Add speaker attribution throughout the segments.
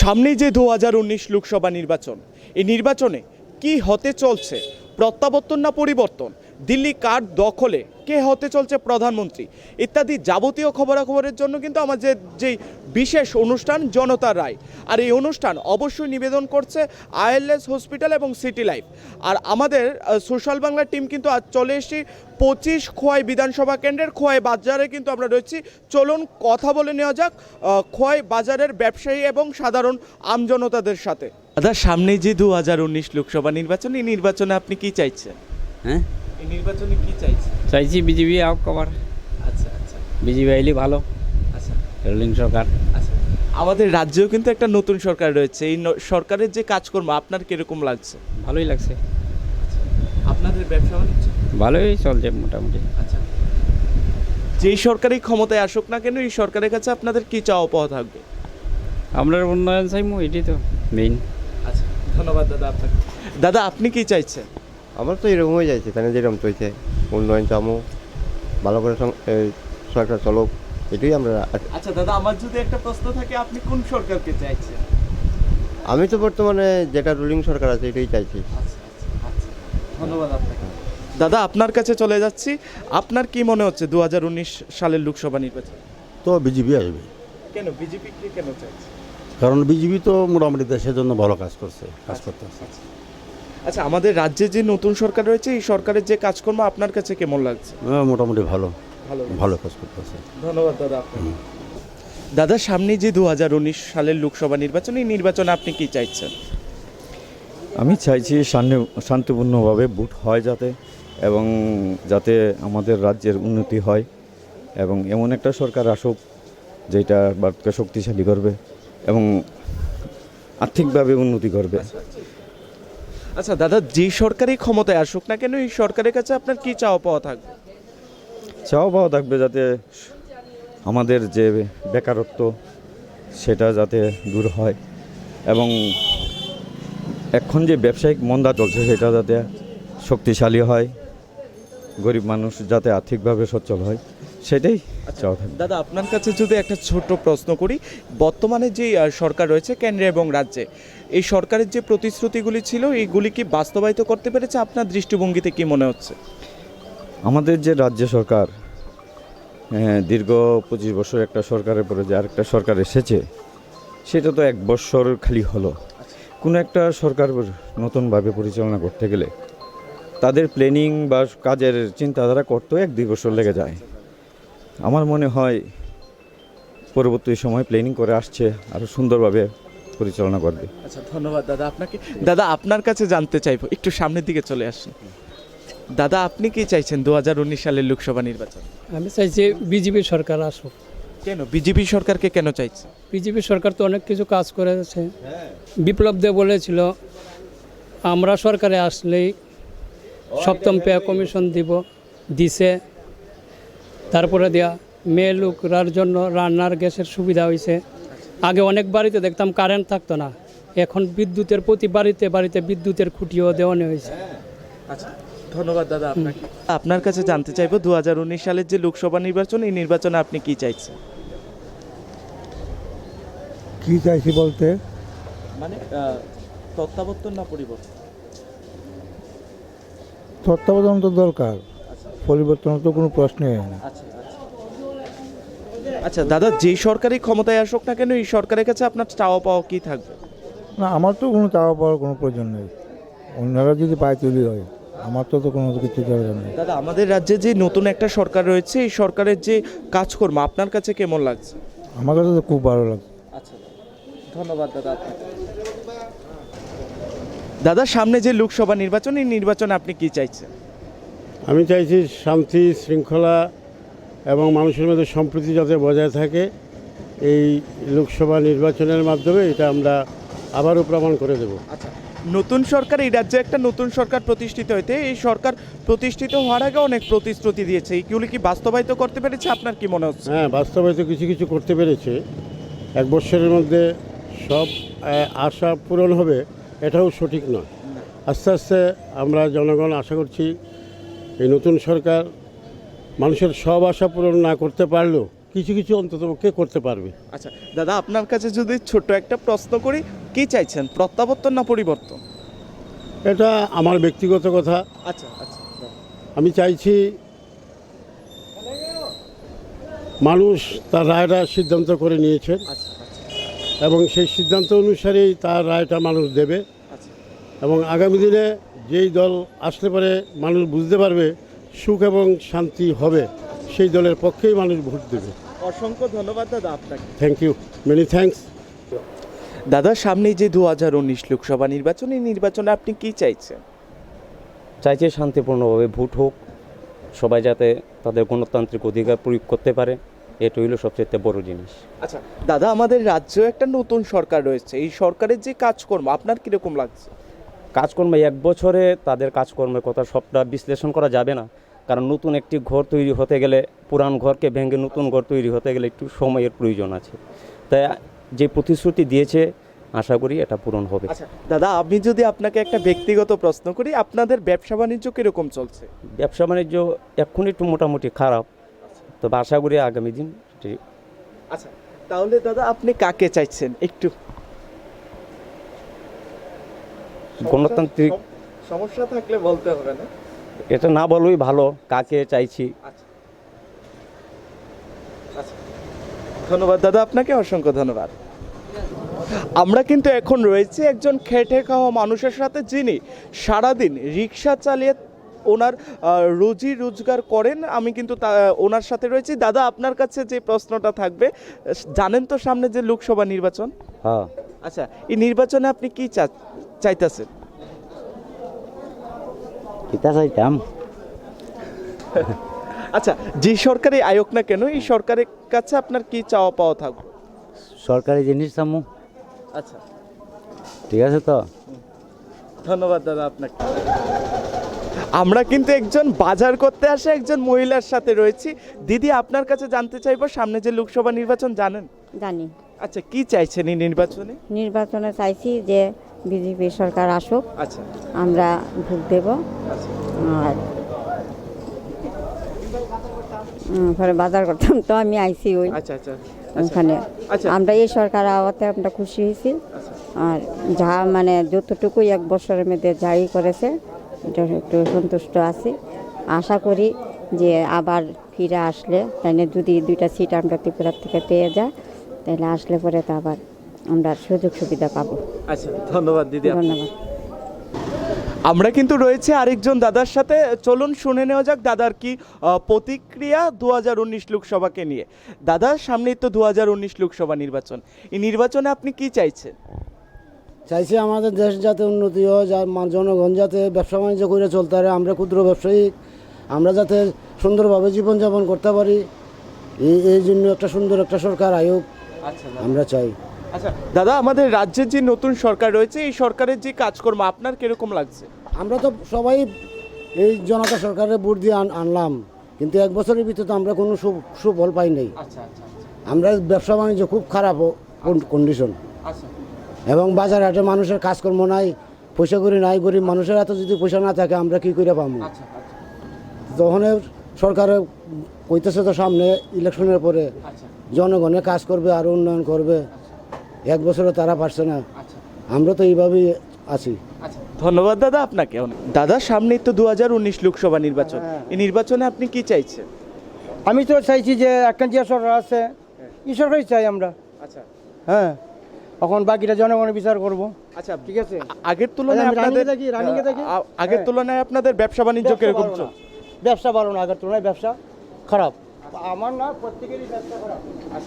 Speaker 1: সামনেই যে 2019 লোকসভা নির্বাচন, এই নির্বাচনে কি হতে চলছে, প্রত্যাবর্তন না পরিবর্তন, দিল্লি কার দখলে, কে হতে চলছে প্রধানমন্ত্রী ইত্যাদি যাবতীয় খবরাখবরের জন্য কিন্তু আমাদের যেই বিশেষ অনুষ্ঠান জনতার রায়, আর এই অনুষ্ঠান অবশ্যই নিবেদন করছে আইএলএস হসপিটাল এবং সিটি লাইফ। আর আমাদের সোশ্যাল বাংলার টিম কিন্তু আজ চলে এসেছি 25 খোয়াই বিধানসভা কেন্দ্রের খোয়াই বাজারে কিন্তু আমরা রয়েছি। চলুন কথা বলে নেওয়া যাক খোয়াই বাজারের ব্যবসায়ী এবং সাধারণ আমজনতাদের সাথে। দাদা, সামনেই যে 2019 লোকসভা নির্বাচন, এই নির্বাচনে আপনি কি চাইছেন?
Speaker 2: হ্যাঁ,
Speaker 1: এই নির্বাচনে কি চাইছেন?
Speaker 2: চাইছি বিজেপি আউট কভার।
Speaker 1: আচ্ছা আচ্ছা
Speaker 2: বিজেপি আইলে ভালো,
Speaker 1: আচ্ছা
Speaker 2: রুলিং সরকার।
Speaker 1: আচ্ছা, আমাদের রাজ্যেও কিন্তু একটা নতুন সরকার রয়েছে, এই সরকারের যে কাজকর্ম আপনার কিরকম লাগছে?
Speaker 2: ভালোই লাগছে,
Speaker 1: আপনাদের ব্যবসা বাণিজ্য
Speaker 2: ভালোই চলছে মোটামুটি।
Speaker 1: আচ্ছা, যেই সরকারই ক্ষমতায় আসুক না কেন, এই সরকারের কাছে আপনাদের কি চাওয়া পাওয়া থাকবে?
Speaker 2: আমরা উন্নয়ন চাইমু, এটাই তো মেইন।
Speaker 1: আচ্ছা, ধন্যবাদ দাদা আপনাকে। দাদা, আপনি কি চাইছেন?
Speaker 3: আমার তো এরকম হয়ে যাচ্ছে, তাই যেরকম চলছে উন্নয়ন চামো, ভালো করে সরকার চলুক, এটাই আমরা।
Speaker 1: আচ্ছা দাদা, আমার যদি একটা প্রশ্ন থাকে, আপনি কোন সরকারকে চাইছেন?
Speaker 3: আমি তো বর্তমানে যেটা রুলিং সরকার আছে এটাই চাইছি।
Speaker 1: আচ্ছা আচ্ছা আচ্ছা, ধন্যবাদ আপনাকে। দাদা, আপনার কাছে চলে যাচ্ছি, আপনার কি মনে হচ্ছে 2019 সালের লোকসভা নির্বাচন?
Speaker 4: তো বিজেপি আসবে,
Speaker 1: কেন বিজেপি কেন চাইছে?
Speaker 4: কারণ বিজেপি তো মোটামুটি দেশের জন্য ভালো কাজ করতে।
Speaker 1: আচ্ছা, আমাদের রাজ্যে যে নতুন সরকার রয়েছে, এই সরকারের যে কাজকর্ম আপনার কাছে কেমন লাগছে?
Speaker 4: মোটামুটি ভালো
Speaker 1: ভালো
Speaker 4: ভালো কাজ করতেছে।
Speaker 1: ধন্যবাদ দাদা আপনাকে। দাদা, সামনে যে 2019 সালের লোকসভা নির্বাচন, এই নির্বাচনে আপনি কি চাইছেন?
Speaker 5: আমি চাইছি শান্তিপূর্ণভাবে ভোট হয় এবং যাতে আমাদের রাজ্যের উন্নতি হয় এবং এমন একটা সরকার আসুক যেটা ভারতকে শক্তিশালী করবে এবং আর্থিকভাবে উন্নতি করবে।
Speaker 1: আচ্ছা দাদা, যে সরকারই ক্ষমতায় আসুক না কেন, এই সরকারের কাছে আপনার কি চাওয়া পাওয়া থাকবে?
Speaker 5: চাওয়া পাওয়া থাকবে যাতে আমাদের যে বেকারত্ব সেটা যাতে দূর হয় এবং এখন যে ব্যবসায়িক মন্দা চলছে সেটা যাতে শক্তিশালী হয়, গরিব মানুষ যাতে আর্থিকভাবে সচ্ছল হয়, সেটাই চাওয়া থাকবে।
Speaker 1: দাদা, আপনার কাছে যদি একটা ছোট প্রশ্ন করি, বর্তমানে যে সরকার রয়েছে কেন্দ্রে এবং রাজ্যে, এই সরকারের যে প্রতিশ্রুতিগুলি ছিল, এইগুলি কি বাস্তবায়িত করতে পেরেছে? আপনার দৃষ্টিভঙ্গিতে কি মনে হচ্ছে?
Speaker 5: আমাদের যে রাজ্য সরকার দীর্ঘ 25 বছর একটা সরকারের পরে যে আরেকটা সরকার এসেছে, সেটা তো 1 বছর খালি হলো। কোনো একটা সরকার নতুনভাবে পরিচালনা করতে গেলে তাদের প্ল্যানিং বা কাজের চিন্তাধারা করতেও 1-2 বছর লেগে যায়। আমার মনে হয় পরবর্তী সময় প্ল্যানিং করে আসছে, আরও সুন্দরভাবে পরিচালনা করবে।
Speaker 1: আচ্ছা, ধন্যবাদ দাদা আপনাকে। দাদা, আপনার কাছে জানতে চাইবো, একটু সামনের দিকে চলে আসুন। দাদা, আপনি কি চাইছেন 2019 সালের লোকসভা নির্বাচন?
Speaker 6: আমি চাইছি বিজেপি সরকার আসুক।
Speaker 1: কেন বিজেপি সরকারকে কেন চাইছে?
Speaker 6: বিজেপি সরকার তো অনেক কিছু কাজ করেছে। বিপ্লব দেব বলেছিল আমরা সরকারে আসলেই 7ম পে কমিশন দিছে। তারপরে দেয়া মেয়ে লোকরার জন্য রান্নার গ্যাসের সুবিধা হয়েছে। আগে অনেক বাড়িতে দেখতাম কারেন্ট থাকতো না, এখন বিদ্যুতের প্রতি বাড়িতে বাড়িতে বিদ্যুতের খুঁটিও দেওয়ানো হয়েছে।
Speaker 1: আচ্ছা, ধন্যবাদ দাদা আপনাকে। আপনার কাছে জানতে চাইবো 2019 সালের যে লোকসভা নির্বাচন, এই নির্বাচনে আপনি কি চাইছেন?
Speaker 7: কি চাইছি বলতে
Speaker 1: মানে তত্ত্বাবর্তন না পরিবর্তন?
Speaker 7: তত্ত্বাবধান তো দরকার, পরিবর্তন তো কোনো প্রশ্নই হয় না।
Speaker 1: আচ্ছা আচ্ছা আচ্ছা দাদা, যে সরকারই ক্ষমতায় আসুক না কেন, এই সরকারের কাছে আপনার চাওয়া পাওয়া কি থাকবে?
Speaker 7: না, আমার তো কোনো চাওয়া পাওয়ার কোনো প্রয়োজন নেই, অন্যরা যদি পায় তুলি হয়, আমার তো কোনো কিছু দরকার নেই।
Speaker 1: দাদা, আমাদের রাজ্যে যে নতুন একটা সরকার রয়েছে, এই সরকারের যে কাজকর্ম আপনার কাছে কেমন লাগছে?
Speaker 7: আমার কাছে তো খুব ভালো লাগছে।
Speaker 1: আচ্ছা, ধন্যবাদ দাদা আপনাকে। দাদা, সামনে যে লোকসভা নির্বাচন, এই নির্বাচনে আপনি কি চাইছেন?
Speaker 8: আমি চাইছি শান্তি শৃঙ্খলা এবং মানুষের মধ্যে সম্প্রীতি যাতে বজায় থাকে। এই লোকসভা নির্বাচনের মাধ্যমে এটা আমরা আবারও প্রমাণ করে দেব।
Speaker 1: আচ্ছা, নতুন সরকার, এই রাজ্যে একটা নতুন সরকার প্রতিষ্ঠিত হইতে, এই সরকার প্রতিষ্ঠিত হওয়ার আগে অনেক প্রতিশ্রুতি দিয়েছে, এইগুলি কি বাস্তবায়িত করতে পেরেছে? আপনার কি মনে হচ্ছে?
Speaker 8: হ্যাঁ, বাস্তবায়িত কিছু কিছু করতে পেরেছে। 1 বছরের মধ্যে সব আশা পূরণ হবে এটাও সঠিক নয়। আস্তে আস্তে আমরা জনগণ আশা করছি এই নতুন সরকার মানুষের সব আশা পূরণ না করতে পারলেও কিছু কিছু অন্ততপক্ষে করতে পারবে।
Speaker 1: আচ্ছা দাদা, আপনার কাছে যদি ছোট্ট একটা প্রশ্ন করি, কি চাইছেন, প্রত্যাবর্তন না পরিবর্তন?
Speaker 8: এটা আমার ব্যক্তিগত কথা।
Speaker 1: আচ্ছা আচ্ছা
Speaker 8: আমি চাইছি মানুষ তার রায়টা সিদ্ধান্ত করে নিয়েছেন
Speaker 1: আচ্ছা আচ্ছা
Speaker 8: এবং সেই সিদ্ধান্ত অনুসারেই তার রায়টা মানুষ দেবে
Speaker 1: আচ্ছা
Speaker 8: এবং আগামী দিনে যেই দল আসলে পরে মানুষ বুঝতে পারবে সুখ এবং শান্তি হবে, সেই দলের পক্ষেই মানুষ ভোট দেবে।
Speaker 1: অসংখ্য ধন্যবাদ দাদা আপনাকে।
Speaker 8: Thank you, many thanks.
Speaker 1: দাদা, সামনেই যে 2019 লোকসভা নির্বাচন, এই নির্বাচনে আপনি কি চাইছেন?
Speaker 9: চাইছে শান্তিপূর্ণভাবে ভোট হোক, সবাই যাতে তাদের গণতান্ত্রিক অধিকার প্রয়োগ করতে পারে, এটা হইল সবচেয়ে বড় জিনিস।
Speaker 1: আচ্ছা দাদা, আমাদের রাজ্যে একটা নতুন সরকার রয়েছে, এই সরকারের যে কাজকর্ম আপনার কিরকম লাগছে?
Speaker 9: কাজকর্ম এক বছরে তাদের কাজকর্মের কথা সবটা বিশ্লেষণ করা যাবে না, কারণ নতুন একটি ঘর তৈরি হতে গেলে পুরান ঘরকে ভেঙে নতুন ঘর তৈরি হতে গেলে একটু সময়ের প্রয়োজন আছে। তাই যে প্রতিশ্রুতি দিয়েছে আশা করি এটা পূরণ হবে।
Speaker 1: আচ্ছা দাদা, আমি যদি আপনাকে একটা ব্যক্তিগত প্রশ্ন করি, আপনাদের ব্যবসা বাণিজ্য কিরকম চলছে?
Speaker 9: ব্যবসা বাণিজ্য এখন একটু মোটামুটি খারাপ, তবে আশা করি আগামী দিন
Speaker 1: আচ্ছা তাহলে দাদা, আপনি কাকে চাইছেন একটু?
Speaker 9: গণতান্ত্রিক
Speaker 1: সমস্যা থাকলে বলতে হবে না।
Speaker 9: এটা না বললেই ভালো, কাকে চাইছি।
Speaker 1: আচ্ছা আচ্ছা, ধন্যবাদ দাদা আপনাকে, অসংখ্য ধন্যবাদ। আমরা কিন্তু এখন রয়েছে একজন খেটে খাওয়া মানুষের সাথে, যিনি সারাদিন রিক্সা চালিয়ে ওনার রুজি রোজগার করেন। আমি কিন্তু ওনার সাথে রয়েছি। দাদা, আপনার কাছে যে প্রশ্নটা থাকবে, জানেন তো সামনে যে লোকসভা নির্বাচন?
Speaker 9: হ্যাঁ।
Speaker 1: আচ্ছা, এই নির্বাচনে আপনি কি চাইতেছেন?
Speaker 2: কিতা চাইতাম?
Speaker 1: আচ্ছা, যে সরকারি আয়োগ না কেন, এই সরকারের কাছে আপনার কি চাওয়া পাওয়া থাকবে?
Speaker 2: সরকারি জিনিস চামু।
Speaker 1: আচ্ছা,
Speaker 2: ঠিক আছে তো।
Speaker 1: ধন্যবাদ দাদা আপনাকে। আমরা কিন্তু একজন বাজার করতে আসে একজন মহিলার সাথে রয়েছি। দিদি, আপনার কাছে জানতে চাইবো, সামনে যে লোকসভা নির্বাচন জানেন?
Speaker 10: জানি।
Speaker 1: আচ্ছা, কি চাইছেন এই নির্বাচনে?
Speaker 10: নির্বাচনে চাইছি যে বিজেপি সরকার আসুক,
Speaker 1: আচ্ছা
Speaker 10: আমরা ভোট দেব।
Speaker 1: আচ্ছা
Speaker 10: আর পরে বাজার করতাম তো আমি আইছি ওই
Speaker 1: আচ্ছা আচ্ছা
Speaker 10: ওখানে।
Speaker 1: আচ্ছা।
Speaker 10: আমরা এই সরকার আওয়াতে আমরা খুশি হয়েছি।
Speaker 1: আচ্ছা
Speaker 10: আর যা মানে যতটুকু এক বছরের মধ্যে যাই করেছে এটা একটু সন্তুষ্ট আছি। আশা করি যে আবার ফিরে আসলে, তাইলে যদি 2টা সিট আমরা ত্রিপুরার থেকে পেয়ে যায়, তাহলে আসলে পরে তো আবার আমরা সুযোগ সুবিধা পাবো।
Speaker 1: আচ্ছা, ধন্যবাদ দিদি।
Speaker 10: ধন্যবাদ।
Speaker 1: আমরা কিন্তু রয়েছে আরেকজন দাদার সাথে, চলুন শুনে নেওয়া যাক দাদার কি প্রতিক্রিয়া 2019 লোকসভাকে নিয়ে। দাদা, সামনেই তো 2019 লোকসভা নির্বাচন, এই নির্বাচনে আপনি কি চাইছেন?
Speaker 11: চাইছি আমাদের দেশ যাতে উন্নতি হয়, জনগণ যাতে ব্যবসা বাণিজ্য করে চলতে পারে, আমরা ক্ষুদ্র ব্যবসায়ী আমরা যাতে সুন্দরভাবে জীবনযাপন করতে পারি, এই জন্য একটা সুন্দর একটা সরকার আয়োগ আমরা চাই।
Speaker 1: আচ্ছা দাদা, আমাদের রাজ্যের যে নতুন সরকার রয়েছে, এই সরকারের যে কাজকর্ম আপনার কিরকম লাগছে?
Speaker 11: আমরা তো সবাই এই জনতা সরকারের ভোট দিয়ে আনলাম, কিন্তু এক বছরের ভিতরে তো আমরা কোনো সুফল পাই নাই।
Speaker 1: আচ্ছা আচ্ছা
Speaker 11: আমরা ব্যবসা বাণিজ্য খুব খারাপ কন্ডিশন,
Speaker 1: আচ্ছা
Speaker 11: এবং বাজার হাটে মানুষের কাজকর্ম নাই, পয়সা করি নাই, গরিব মানুষের এত যদি পয়সা না থাকে আমরা কি করে পাবো?
Speaker 1: আচ্ছা
Speaker 11: তখন সরকারে কইতেছে তো সামনে ইলেকশনের পরে জনগণের কাজ করবে আর উন্নয়ন করবে, এক বছরে তারা পারছে না, আমরা তো এইভাবেই আছি।
Speaker 1: ধন্যবাদ দাদা আপনাকে। দাদা, সামনেই তো 2019 লোকসভা নির্বাচন, এই নির্বাচনে আপনি কি চাইছেন?
Speaker 11: আমি তো চাইছি যে একটা যে সরকার আছে এই সরকারই চাই আমরা।
Speaker 1: আচ্ছা
Speaker 11: হ্যাঁ, এখন বাকিটা জনগণের বিচার করব।
Speaker 1: আচ্ছা,
Speaker 11: ঠিক আছে।
Speaker 1: আগের তুলনায় আগের তুলনায় আপনাদের ব্যবসা বাণিজ্য কিরকম চলছে?
Speaker 11: ব্যবসা ভালো না, আগের তুলনায় ব্যবসা খারাপ। আমার না, প্রত্যেকেরই ব্যবসা খারাপ।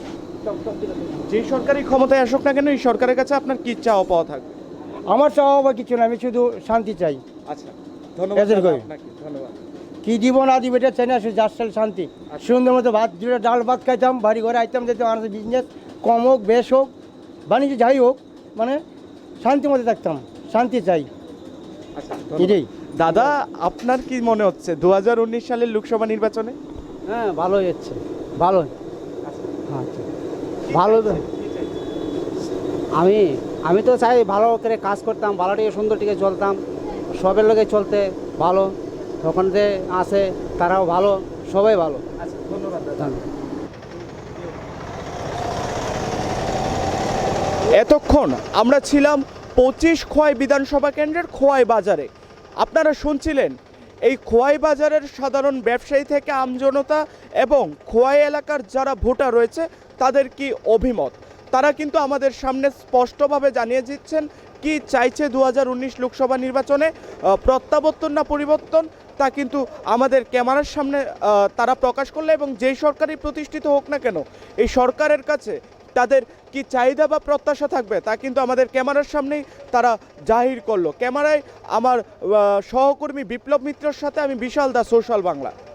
Speaker 1: যে সরকারি ক্ষমতায় আসুক না কেন, এই সরকারের কাছে আপনার কি চাওয়া পাওয়া থাকবে?
Speaker 11: আমার চাওয়া বা কিছু না, আমি শুধু শান্তি চাই।
Speaker 1: আচ্ছা, ধন্যবাদ
Speaker 11: এদের কই?
Speaker 1: আপনাকে, ধন্যবাদ।
Speaker 11: কি দিব না দিব এটা চাই না, শুধু যার শান্তি, সুন্দর মতো ভাত, ডাল ভাত খাইতাম, বাড়ি ঘরে আইতাম, যেতাম, আমাদের বিজনেস কম হোক বেশ হোক, বাণিজ্য যাই হোক, মানে শান্তির মধ্যে থাকতাম, শান্তি চাই।
Speaker 1: আচ্ছা,
Speaker 11: এটাই।
Speaker 1: দাদা, আপনার কি মনে হচ্ছে 2019 সালের লোকসভা নির্বাচনে?
Speaker 11: হ্যাঁ, ভালোই হচ্ছে, ভালো। আচ্ছা, ভালো। আমি তো চাই ভালো করে কাজ করতাম, ভালোটিকে সুন্দরটিকে চলতাম, সবের লোকে চলতে ভালো, তখন যে আছে তারাও ভালো, সবাই ভালো।
Speaker 1: আচ্ছা, ধন্যবাদ দাদা। এতক্ষণ আমরা ছিলাম 25 খোয়াই বিধানসভা কেন্দ্রের খোয়াই বাজারে। আপনারা শুনছিলেন এই খোয়াই বাজারের সাধারণ ব্যবসায়ী থেকে আমজনতা এবং খোয়াই এলাকার যারা ভোটার রয়েছে তাদের কি অভিমত। তারা কিন্তু আমাদের সামনে স্পষ্টভাবে জানিয়ে দিচ্ছেন কি চাইছে 2019 লোকসভা নির্বাচনে, প্রত্যাবর্তন না পরিবর্তন, তা কিন্তু আমাদের ক্যামেরার সামনে তারা প্রকাশ করলো। এবং যেই সরকারই প্রতিষ্ঠিত হোক না কেন, এই সরকারের কাছে তাদের কি চাহিদা বা প্রত্যাশা থাকবে তা কিন্তু আমাদের ক্যামেরার সামনেই তারা জাহির করলো। ক্যামেরায় আমার সহকর্মী বিপ্লব মিত্রের সাথে আমি বিশাল দা, সোশ্যাল বাংলা।